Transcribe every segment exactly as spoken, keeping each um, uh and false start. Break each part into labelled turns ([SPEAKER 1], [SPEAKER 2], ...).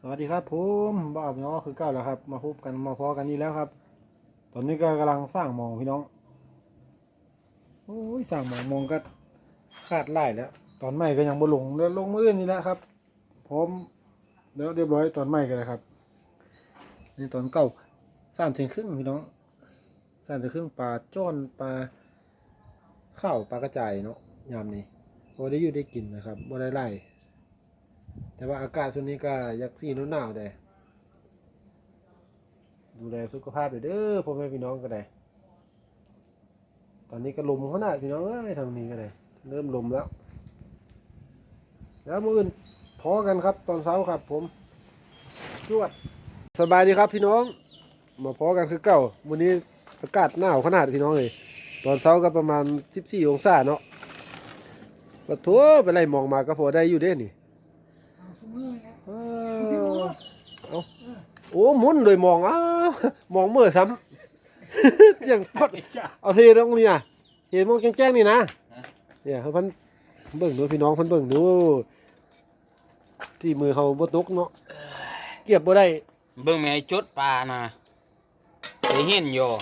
[SPEAKER 1] สวัสดีครับผมบ้าพี่น้องคือเก้าแล้วครับมาพบกันมาพอกันนี่แล้วครับ ตอนนี้ก็กำลังสร้างหมองพี่น้องโอ้ยสร้างหมองมองก็คาดไล่แล้ว ตอนใหม่ก็ยังบ่ลงแล้วลงมืออื่นนี่แหละครับพร้อมแล้วเรียบร้อยตอนใหม่กันเลยครับนี่ตอนเก่าสามเซนครึ่งพี่น้องสามเซนครึ่งปลาจ้อนปลาข้าวปลากระจายเนาะยามนี้พอได้อยู่ได้กินนะครับบ่ได้ไล่แต่ว่าอากาศช่วงนี้ก็ยักษ์สีหนาวๆเลยดูแลสุขภาพเด้อพ่อแม่พี่น้องก็ได้ตอนนี้ก็ลมขนาดพี่น้องเอ้ยทางนี้ก็ได้เริ่มลมแล้วแล้วมื้ออื่นพอกันครับตอนเช้าครับผมจวดสบายดีครับพี่น้องมาพอกันคือเก่าวันนี้อากาศหนาวขนาดพี่น้องเลยตอนเช้าก็ประมาณสิบสี่องศาเนาะก็ทั่วไปไล่มองมาก็พอได้อยู่เด้นี่เอาโอ้มุนเลยมองอ้ามองเมื่อซ้ำอย่างพอดเอาเทตรงนี้อ่ะเห็นมองแจ้งๆนี่นะเนี่ยเขาพันเบิ่งดูพี่น้องพันเบิ่งดูที่มือเขาบดนกเนาะเก็บบ่ได้
[SPEAKER 2] เบิ่งแม่จุดปลานะไปเห็นอยู่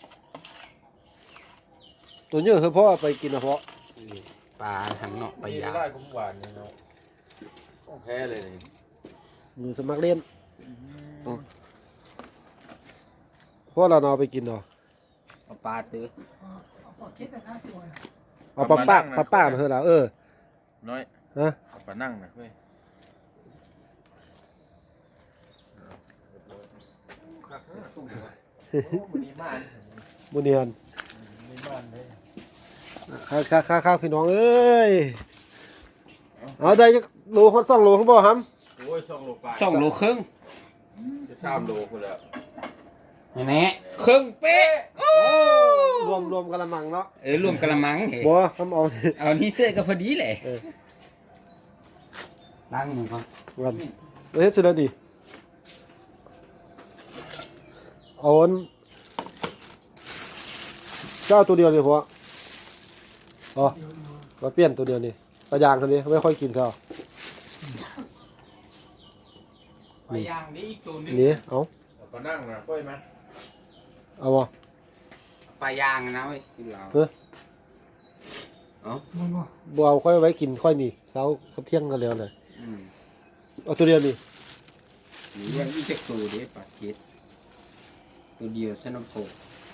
[SPEAKER 1] ตัวเยอะคือพ่อไปกินนะเพาะ
[SPEAKER 2] ปลาทางเนาะไปยา
[SPEAKER 3] ได้กุ้งหวานเนี่ยเนาะต้องแพ้เลย
[SPEAKER 1] มือสมัครเล่นพ่อเราเอาไปกินเนาะ
[SPEAKER 2] เอาปลาตื้อ
[SPEAKER 1] เอาปลาป้าปลาป้าเถอะแล้วเออ
[SPEAKER 3] น้อย
[SPEAKER 1] ฮะ
[SPEAKER 3] เอาปลานั่งนะเว้ย
[SPEAKER 1] บุญเนียนข้าข้าข้าข้าพี่น้องเอ้ยเอาได้โลฮอตสองโลเขาบอกครับ
[SPEAKER 3] โอ้ยสองโลปลา
[SPEAKER 2] สองโลครึ่ง
[SPEAKER 3] จะสามโลคนละ
[SPEAKER 2] นี่แน่ครึ่งเป๊ะ
[SPEAKER 1] รวมรวมกะละมังเนาะ
[SPEAKER 2] เออรวมกะละมังเหรอ
[SPEAKER 1] บ่ทำเอา
[SPEAKER 2] เอานี่เสื้อก็พอดีแหละล้างหนึ่งก่อน
[SPEAKER 1] วันเฮ็ดสุดแล้วดิเอาอันเจ้าตัวเดียวเลยพ่ออ๋อมาเปลี่ยนตัวเดียวนี่ปลายางคนนี้ไม่ค่อยกินเท่า
[SPEAKER 2] ปลายางนี่อีกตัวนึง
[SPEAKER 1] นี่เอา
[SPEAKER 3] ปลานั่งนะค่อยไหม
[SPEAKER 1] เอาบ่
[SPEAKER 2] ปลายางนะเว้ยกินเรา
[SPEAKER 1] เออ
[SPEAKER 2] เอา
[SPEAKER 1] บ่เอาค่อยไว้กินค่อยนี่เช้าเที่ยงกันแล้วเลยเอาตัวเดียวนี่
[SPEAKER 2] นี่ยังอีกจักตัวเด้ปลาเก็ดตัวเดียวสนุกโผ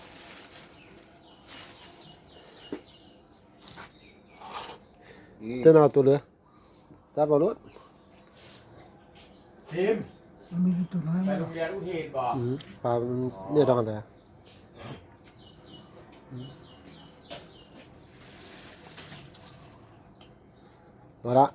[SPEAKER 1] จะเอาตัวเหลือจับเอารถ
[SPEAKER 3] ทีมมันมีตัวน้อยไปโรงเรียนอุเทนบ่
[SPEAKER 1] ปลาเนี่ยดองอะไรมาละ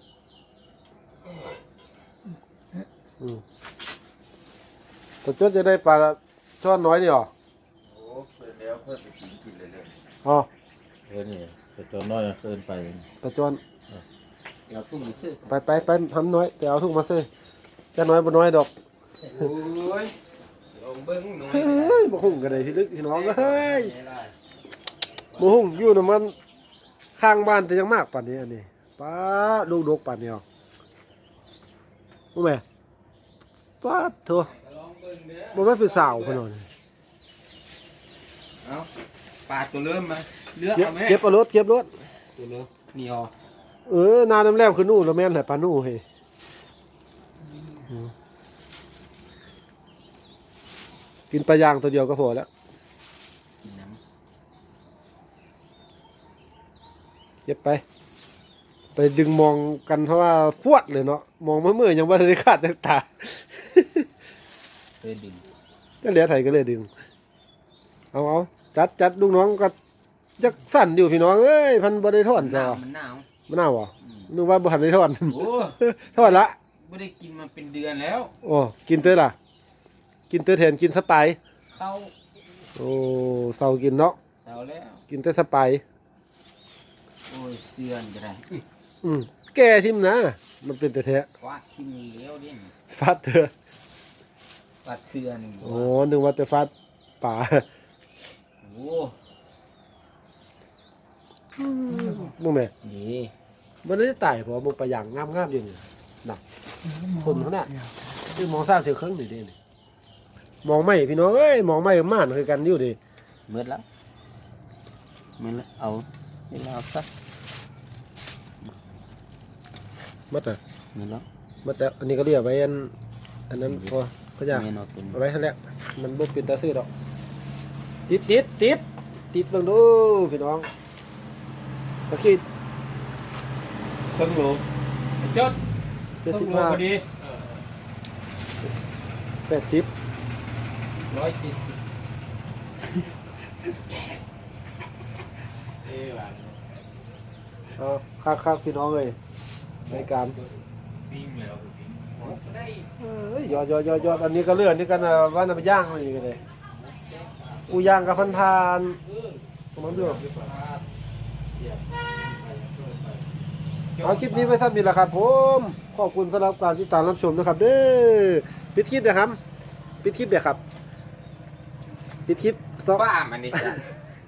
[SPEAKER 1] ตัวจุดจะได้ปลาช่อนน้อยนี่หรอ
[SPEAKER 3] โอ้เพิ่นแล้วเพิ่นไปกินกินเลยเลย
[SPEAKER 1] อ๋อ
[SPEAKER 3] เออนี่ตัวจนน้อยเกินไป
[SPEAKER 1] ปลาจอน
[SPEAKER 2] เอาทุ่งมาซื้อ
[SPEAKER 1] ไปไปไปทำน้อยไปเอาทุ่งมาซื้อจะน้อยบ่น้อยดอก
[SPEAKER 2] โอ้ยลงเบิ้งหน่อย
[SPEAKER 1] เฮ้ยบ่หุ่งกันเลยที่ลึกที่น้องเฮ้ยบ่หุ่งอยู่น้ำมันข้างบ้านแต่ยังมากป่านนี้อันนี้ป้าลูกดกป่านนี้อ๋อรู้ไหมป้าเถอะบ่ไม่เป็นสาวพนอน
[SPEAKER 2] เอาปลาตัวเริ่มมาเลือกเอาไหม
[SPEAKER 1] เก็บเอารถเก็บรถ
[SPEAKER 2] ตัวเริ่มนี่อ๋อ
[SPEAKER 1] เออนาน้ำแร่คือนู่นแล้วแม่นแหละปลานู่เฮ้ยกินปลายางตัวเดียวก็พอแล้วเก็บไปไปดึงมองกันเพราะว่าฟวดเลยเนาะมองเมื่อเมื่อยังว่าได้ขาดตา
[SPEAKER 2] เลยดึง
[SPEAKER 1] ก็เหลือไถก็เลยดึงเอาเอาจัดจัดลูกน้องก็จักสั่นอยู่พี่น้องเอ้ยพันบริทอนจ้ะ
[SPEAKER 2] มันหนาว
[SPEAKER 1] มันหนาวอ่ะนึกว่าบุหันได้ทอน
[SPEAKER 2] โอ้
[SPEAKER 1] ทอนละ
[SPEAKER 2] ไม่ได้กินมาเป็นเดือนแล้ว
[SPEAKER 1] โอ้กินเตยล่ะกินเตยแทนกินสไป
[SPEAKER 2] เข้า
[SPEAKER 1] โอ้เสากินเนาะ
[SPEAKER 2] เสาแล้ว
[SPEAKER 1] กินเตยสไป
[SPEAKER 2] โอ้ยเดือนจะได้
[SPEAKER 1] อืมแกทิมนะมันเป็นแต่แท้
[SPEAKER 2] ฟาดทิมเลี้ยวดิ
[SPEAKER 1] ฟาดเถอะ
[SPEAKER 2] ฟาดเสือนี่
[SPEAKER 1] โอ้นึกว่าแต่ฟาดป่า
[SPEAKER 2] โอ้
[SPEAKER 1] มึงแม่
[SPEAKER 2] นี่
[SPEAKER 1] มันได้ตายเพราะมึงไปอย่างงามๆอยู่นี่หนักคนเขาเนี่ยคือมองสร้างเสียเครื่องนี่เด้นี่มองไม่พี่น้องเอ้ยมองไม่กับม่านคือกันอยู่ดิ
[SPEAKER 2] เบิดแล้วเบิดแล้วเอาเวลาเอาสัก
[SPEAKER 1] มัดอ่ะ
[SPEAKER 2] เบิดแล้ว
[SPEAKER 1] มัดแต่อันนี้ก็เรียกไว้อันอันนั้นพอก็อยาก
[SPEAKER 2] แม่นเอาตัวนี้
[SPEAKER 1] เอาไว้ให้แล้วมันบ่เป็นตาซื้อดอกติดติดติดติดเบิ่งดูพี่น้องตะคิด
[SPEAKER 2] เครื่องโลจด
[SPEAKER 1] เจ็ด
[SPEAKER 2] เค
[SPEAKER 1] สิ
[SPEAKER 2] รื่
[SPEAKER 1] บ
[SPEAKER 2] องโล
[SPEAKER 1] ห้า
[SPEAKER 2] พอดี
[SPEAKER 1] แปดสิบ
[SPEAKER 2] ร้อยเจ็ดสิบเอ้ยว่ะ
[SPEAKER 1] เอาคักคักพี่น้องเลยในการ
[SPEAKER 3] ปิ้งแล้วปิ้ง
[SPEAKER 2] ได้
[SPEAKER 1] เอ้ยยอดยอดยอดยอดอันนี้ก็เลื่อนนี่กันนะว่าน้ำไปย่างอะไรอย่างเงี้ยเลยกูย่างกับพันทานประมาณเดือนเอาคลิปนี้ไว้สั้นนี่แหละครับผมขอบคุณสำหรับการติดตามรับชมนะครับเด้อปิดคลิปนะครับปิดคลิปเดี๋ยวครับปิดคลิปซอก
[SPEAKER 2] ฝ้ามันนี่จ้ะ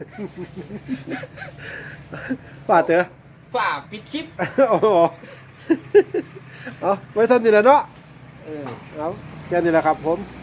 [SPEAKER 1] ฝาดเถอะ
[SPEAKER 2] ฝ้าปิดคลิป
[SPEAKER 1] โอ้โหเอาไว้สั้นนี่แหละเนาะ
[SPEAKER 2] เออ
[SPEAKER 1] เอาแค่นี้แหละครับผม